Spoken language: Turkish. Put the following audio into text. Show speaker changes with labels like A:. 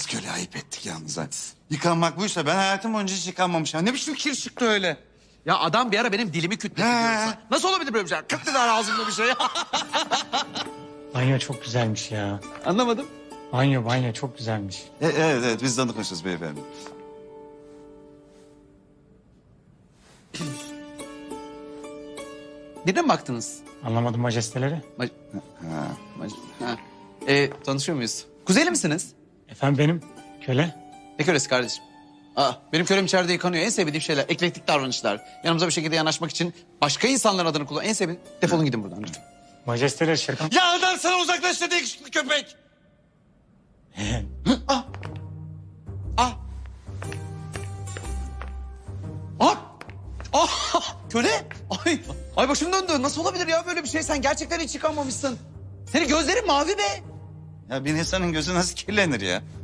A: köle ayıp ettik yalnız ha. Yıkanmak buysa ben hayatım boyunca hiç yıkanmamışım. Ne biçim kir çıktı öyle?
B: Ya adam bir ara benim dilimi kütletti
A: He.
B: diyorsa. Nasıl olabilir böyle bir şey? Kıt dedi ağzımda bir şey.
C: Banyo çok güzelmiş ya.
B: Anlamadım.
C: Banyo çok güzelmiş.
A: Evet biz danışmışız beyefendi.
B: Birine mi baktınız?
C: Anlamadım majesteleri.
A: Ha.
B: Ha. Tanışıyor muyuz? Kuzeyli misiniz?
C: Efendim benim köle.
B: Ne kölesi kardeşim? Benim kölem içeride yıkanıyor. En sevdiğim şeyler eklektik davranışlar. Yanımıza bir şekilde yanaşmak için başka insanların adını kullan. En sevdiğim... Defolun gidin buradan lütfen.
C: Majesteleri şaka.
A: Ya adam sana uzaklaş dedi yakışıklı köpek.
B: Ah! Köle! Ay başım döndü. Nasıl olabilir ya böyle bir şey? Sen gerçekten hiç yıkanmamışsın. Senin gözlerin mavi be.
A: Ya bir insanın gözü nasıl kirlenir ya?